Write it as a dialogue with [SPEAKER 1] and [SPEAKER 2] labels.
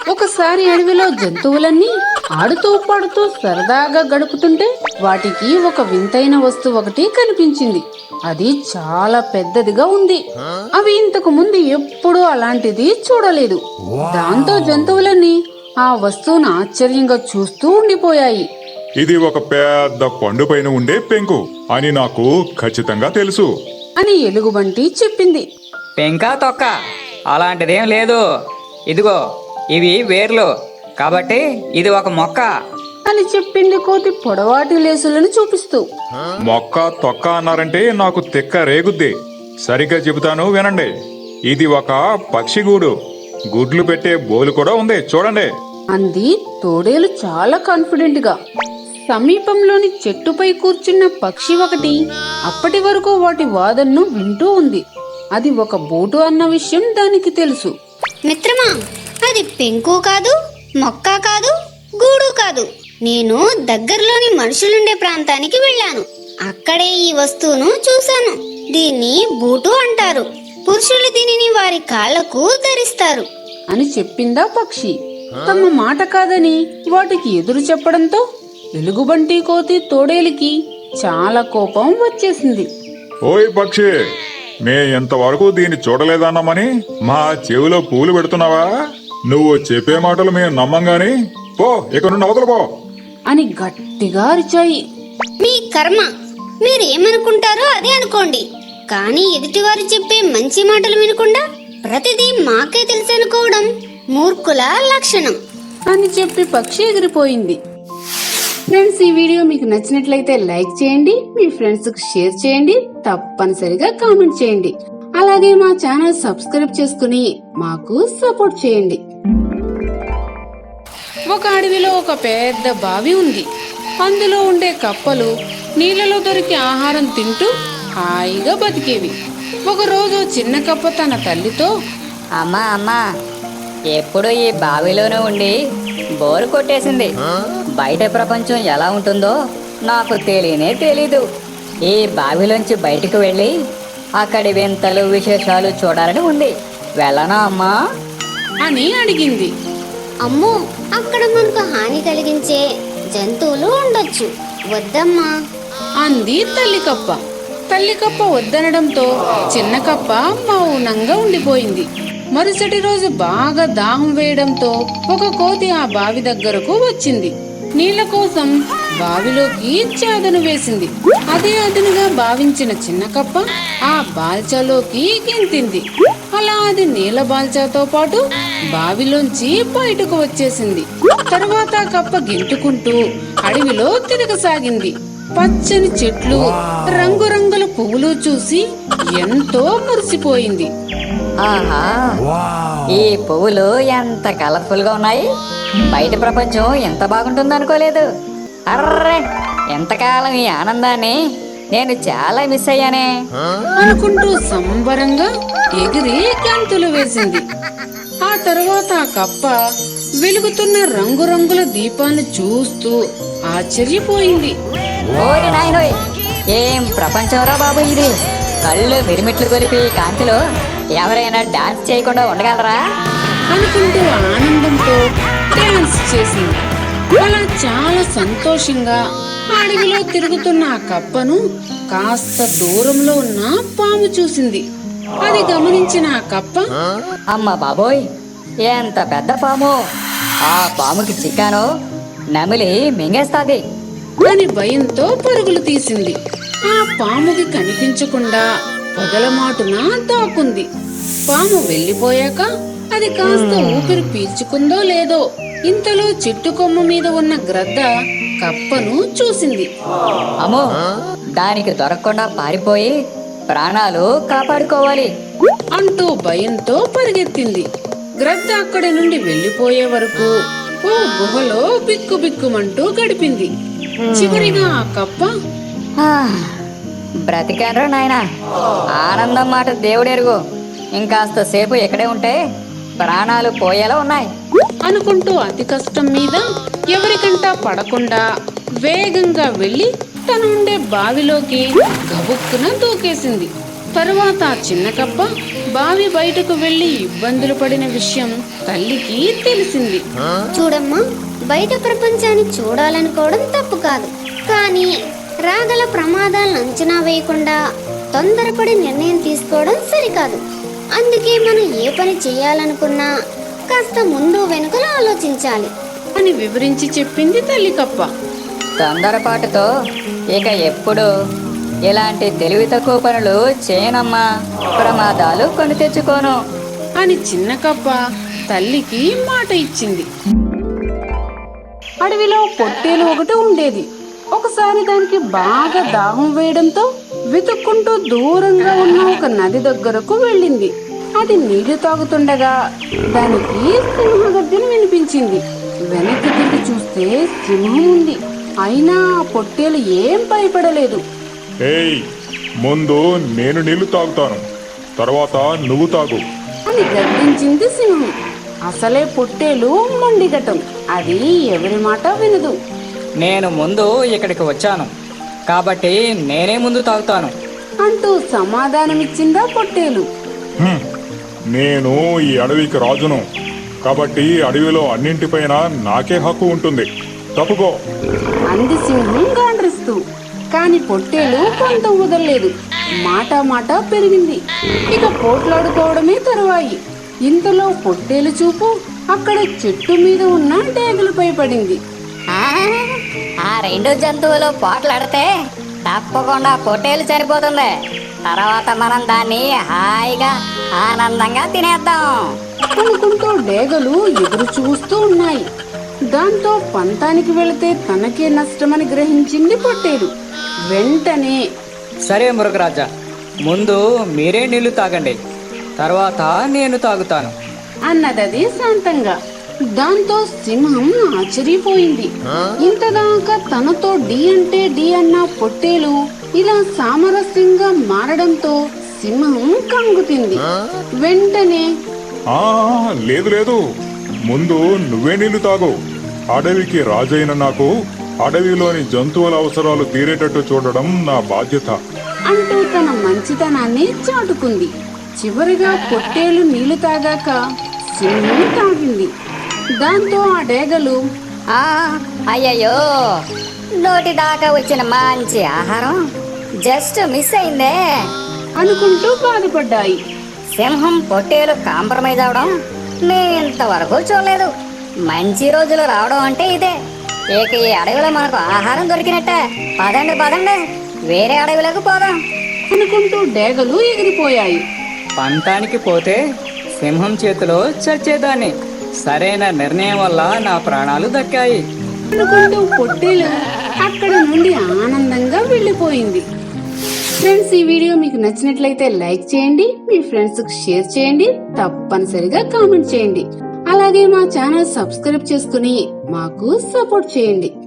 [SPEAKER 1] ఒకసారి అడవిలో జంతువులన్నీ ఆడుతూ పాడుతూ సరదాగా గడుపుతుంటే వాటికి ఒక వింతైన వస్తువు ఒకటి కనిపించింది. అది చాలా పెద్దదిగా ఉంది. అవి ఇంతకు ముందు ఎప్పుడూ అలాంటిది చూడలేదు. దాంతో జంతువులన్నీ ఆ వస్తువును ఆశ్చర్యంగా చూస్తూ ఉండిపోయాయి.
[SPEAKER 2] ఇది ఒక పెద్ద పండు పైన ఉండే పెంకు అని నాకు ఖచ్చితంగా తెలుసు
[SPEAKER 1] అని ఎలుగుబంటి చెప్పింది.
[SPEAKER 3] పెంకా తొక్క అలాంటిదేం లేదు. ఇదిగో ఇవి వేర్లు, కాబట్టి ఇది ఒక మొక్క
[SPEAKER 1] అని చెప్పింది కోతి పొడవాటి లేసులను చూపిస్తూ.
[SPEAKER 2] మొక్క తొక్క అన్నారంటే నాకు తిక్క రేగుద్ది. సరిగ్గా చెబుతాను వినండి. ఇది ఒక పక్షిగూడు. గుడ్లు పెట్టే బోలు కూడా ఉంది, చూడండి
[SPEAKER 1] అంది తోడేలు చాలా కాన్ఫిడెంట్ గా. సమీపంలోని చెట్టుపై కూర్చున్న పక్షి ఒకటి అప్పటి వరకు వాటి వాదనను వింటూ ఉంది. అది ఒక బోటు అన్న విషయం దానికి తెలుసు.
[SPEAKER 4] మిత్రమా, అది పెంకు కాదు, మొక్క కాదు, గూడు కాదు. నేను దగ్గరలోని మనుషులుండే ప్రాంతానికి వెళ్ళాను. అక్కడే ఈ వస్తువును చూశాను. దీన్ని బూటు అంటారు. పురుషులు దీనిని వారి కాళ్లకు ధరిస్తారు
[SPEAKER 1] అని చెప్పిందా పక్షి. తమ మాట కాదని వాటికి ఎదురు చెప్పడంతో ఎలుగుబంటి కోతి తోడేలికి చాలా కోపం వచ్చేసింది.
[SPEAKER 2] ఓయ్ పక్షి, మే ఇంతవరకు దీన్ని చూడలేదన్నామని మా చెవిలో పూలు పెడుతున్నావా? నువ్వు చెప్పే మాటలు మేము నమ్మంగాని పో, ఇక నుండి అవతల పో
[SPEAKER 1] అని గట్టిగా అరిచాయి.
[SPEAKER 4] మీ కర్మ, మీరేమనుకుంటారో అదే అనుకోండి. కానీ ఎదుటివారు చెప్పే మంచి మాటలు వినకుండా ప్రతిదీ మాకే తెలుసనుకోవడం మూర్ఖుల లక్షణం
[SPEAKER 1] అని చెప్పి పక్షి ఎగిరిపోయింది. ఫ్రెండ్స్, ఈ వీడియో మీకు నచ్చినట్లయితే లైక్ చేయండి, మీ ఫ్రెండ్స్ కు షేర్ చేయండి, తప్పనిసరిగా కామెంట్ చేయండి. అలాగే మా ఛానల్ సబ్స్క్రైబ్ చేసుకుని మాకు సపోర్ట్ చేయండి. ఒక అడవిలో ఒక పెద్ద బావి ఉంది. అందులో ఉండే కప్పలు నీళ్ళలో దొరికి ఆహారం తింటూ హాయిగా బతికేవి. ఒకరోజు చిన్న కప్ప తన తల్లితో,
[SPEAKER 5] అమ్మా ఎప్పుడు ఈ బావిలోనే ఉండి బోరు కొట్టేసింది. బయట ప్రపంచం ఎలా ఉంటుందో నాకు తెలీదు. ఈ బావిలోంచి బయటకు వెళ్ళి అక్కడి వింతలు విశేషాలు చూడాలని ఉంది. వెళ్ళనా అమ్మా
[SPEAKER 1] అని అడిగింది.
[SPEAKER 4] అమ్మో, అక్కడ మనకు హాని కలిగించే జంతువులు ఉండొచ్చు, వద్దమ్మా
[SPEAKER 1] అంది తల్లికప్ప. తల్లికప్ప వద్దనడంతో చిన్న కప్ప మౌనంగా ఉండిపోయింది. మరుసటి రోజు బాగా దాహం వేయడంతో ఒక కోతి ఆ బావి దగ్గరకు వచ్చింది. నీళ్ల కోసం బావిలోకి చాదను వేసింది. అదే అదునుగా భావించిన చిన్న కప్ప ఆ బాల్చాలోకి గెంతింది. అలా అది నీళ్ల బాల్చాతో పాటు బావిలోంచి బయటకు వచ్చేసింది. తర్వాత కప్ప గెంటుకుంటూ అడవిలో తిరగసాగింది. పచ్చని చెట్లు, రంగురంగుల పువ్వులు చూసి ఎంతో మురిసిపోయింది.
[SPEAKER 5] ఆహా, ఈ పువ్వులు ఎంత కలర్ఫుల్ గా ఉన్నాయి. బయట ప్రపంచం ఎంత బాగుంటుంది అనుకోలేదు. అర్రే, ఎంతకాలం ఈ ఆనందాన్ని నేను చాలా మిస్ అయ్యానే
[SPEAKER 1] అనుకుంటూ సంబరంగా ఎగిరి గంతులు వేసింది. ఆ తర్వాత ఆ కప్ప వెలుగుతున్న రంగురంగుల దీపాన్ని చూస్తూ ఆశ్చర్యపోయింది.
[SPEAKER 5] ఓరి నాయనోయ్, ఏం ప్రపంచంరా బాబు ఇది. కళ్ళు మిరిమిట్లు కొలిపి కాంతిలో ఎవరైనా డాన్స్ చేయకుండా ఉండగలరా
[SPEAKER 1] అనుకుంటూ ఆనందంతో డాన్స్ చేసింది. అలా చాలా సంతోషంగా అడవిలో తిరుగుతున్న ఆ కప్పను కాస్త దూరంలో ఉన్న పాము చూసింది. అది గమనించిన ఆ కప్ప,
[SPEAKER 5] అమ్మ బాబోయ్, ఎంత పెద్ద పాము. ఆ పాముకి చిక్కాను, నమిలి మింగేస్తాది
[SPEAKER 1] అని భయంతో పరుగులు తీసింది. ఆ పాముకి కనిపించకుండా పొదలమాటున దాక్కుంది. పాము వెళ్లిపోయాక అది కాస్త ఊపిరి పీల్చుకుందో లేదో ఇంతలో చెట్టు కొమ్మ మీద ఉన్న గ్రద్ద కప్పను చూసింది.
[SPEAKER 5] అమ్మో, దానికి దొరకకుండా పారిపోయి ప్రాణాలు కాపాడుకోవాలి
[SPEAKER 1] అంటూ భయంతో పరిగెత్తింది. గ్రద్ద అక్కడి నుండి వెళ్లిపోయే వరకు ఓ గుహలో బిక్కుబిక్కుమంటూ గడిపింది. చివరిగా ఆ కప్ప,
[SPEAKER 5] బ్రతికాన్రా నాయనా, ఆనందం మాట దేవుడెరుగు. ఇంకాస్త సేపు ఇక్కడే ఉంటే ప్రాణాలు పోయేలా ఉన్నాయి
[SPEAKER 1] అనుకుంటూ అతి కష్టం మీద ఎవరికంటా పడకుండా వేగంగా వెళ్లి తనుండే బావిలోకి గబుక్కున దూకేసింది. తరువాత ఆ చిన్న కప్ప బావి బయటకు వెళ్లి ఇబ్బందులు పడిన విషయం తల్లికి తెలిసింది.
[SPEAKER 4] చూడమ్మా, బయట ప్రపంచాన్ని చూడాలనుకోవడం తప్పు కాదు, కానీ రాగల ప్రమాదాలను అంచనా వేయకుండా తొందరపడి నిర్ణయం తీసుకోవడం సరికాదు. అందుకే మనం ఏ పని చేయాలనుకున్నా కాస్త ముందు వెనుకలు ఆలోచించాలి
[SPEAKER 1] అని వివరించి చెప్పింది తల్లి కప్ప.
[SPEAKER 5] తొందరపాటుతో ఇక ఎప్పుడు ఇలాంటి తెలివి తక్కువ పనులు చేయనమ్మా. ప్రమాదాలు కొని తెచ్చుకోను.
[SPEAKER 1] అని చిన్న కప్ప తల్లికి మాట ఇచ్చింది. అడవిలో పొట్టేలు ఒకటి ఉండేది. ఒకసారి దానికి బాగా దాహం వేయడంతో వెతుక్కుంటూ దూరంగా ఉన్న ఒక నది దగ్గరకు వెళ్ళింది. అది నీళ్లు తాగుతుండగా దానికి సింహగర్జన వినిపించింది. వెనక్కి తిరిగి చూస్తే సింహం ఉంది. అయినా ఆ పొట్టేలు ఏం భయపడలేదు.
[SPEAKER 2] ఏయ్, ముందు నేను నీళ్లు తాగుతాను, తర్వాత నువ్వు తాగు.
[SPEAKER 1] అని గర్జించింది సింహం. అసలే పొట్టేలు మొండిగటం, అది ఎవరి మాట వినదు.
[SPEAKER 3] నేను ముందు ఇక్కడికి వచ్చాను కాబట్టి నేనే ముందు తాగుతాను.
[SPEAKER 1] అంటూ సమాధానమిచ్చిందా పొట్టేలు.
[SPEAKER 2] హ్మ్, నేను ఈ అడవికి రాజును, కాబట్టి అడవిలో అన్నింటిపైన నాకే హక్కు ఉంటుంది. తప్పుకో.
[SPEAKER 1] అంది సింహం గాండ్రిస్తూ. కాని పొట్టేలు కొంత వదలలేదు. మాట పెరిగింది. ఇక పోట్లాడుకోవడమే తరువాయి. ఇంతలో పొట్టేలు చూపు అక్కడ చెట్టు మీద ఉన్న డేగలపై పడింది.
[SPEAKER 5] ఆ రెండు జంతువులు పోట్లాడితే తప్పకుండా పొట్టేలు చనిపోతుంది. తర్వాత మనం దాన్ని హాయిగా ఆనందంగా తినేద్దాం
[SPEAKER 1] అనుకుంటూ డేగలు ఎదురు చూస్తూ ఉన్నాయి. దాంతో పంతానికి వెళితే తనకే నష్టమని గ్రహించింది పొట్టేలు. వెంటనే
[SPEAKER 3] సరే మృగరాజా, ముందు మీరే నీళ్లు తాగండి, తర్వాత నేను తాగుతాను
[SPEAKER 1] అన్నదది శాంతంగా. దాంతో సింహం ఆశ్చర్యపోయింది. ఇంతదాకా తనతో డి అంటే డి అన్న పొట్టేలు ఇలా సామరస్యంగా మారడంతో సింహం కంగుతింది. వెంటనే
[SPEAKER 2] ఆ లేదు లేదు, ముందు నువ్వే నీళ్లు తాగు. అడవికి రాజైన నాకు అడవిలోని జంతువుల అవసరాలు తీరేటట్టు చూడడం నా బాధ్యత
[SPEAKER 1] అంటూ తన మంచితనాన్ని చాటుకుంది. చివరిగా పొట్టేలు నీళ్లు తాగాక సింహం తాగింది. దాంతో ఆ డేగలు
[SPEAKER 5] ఆ అయ్యయ్యో, నోటి దాకా వచ్చిన మంచి ఆహారం జస్ట్ మిస్ అయిందే
[SPEAKER 1] అనుకుంటూ బాధపడ్డాయి.
[SPEAKER 5] సింహం పొట్టేలు కాంప్రమైజ్ అవడం నేను ఇంతవరకు చూడలేదు. మంచి రోజులు రావడం అంటే ఇదే. ఇక ఈ అడవిలో మనకు ఆహారం దొరికినట్టే. పదండి పదండి, వేరే అడవిలోకి పోదాం
[SPEAKER 1] అనుకుంటూ డేగలు ఎగిరిపోయాయి.
[SPEAKER 3] పంతానికి పోతే సింహం చేతిలో చచ్చేదాన్ని. సరైన నిర్ణయం వల్ల నా ప్రాణాలు దక్కాయి
[SPEAKER 1] అనుకుంటూ పొట్టేలు అక్కడి నుండి ఆనందంగా వెళ్ళిపోయింది. ఫ్రెండ్స్, ఈ వీడియో మీకు నచ్చినట్లయితే లైక్ చేయండి, మీ ఫ్రెండ్స్ కు షేర్ చేయండి, తప్పనిసరిగా కామెంట్ చేయండి. అలాగే మా ఛానల్ సబ్స్క్రైబ్ చేసుకుని మాకు సపోర్ట్ చేయండి.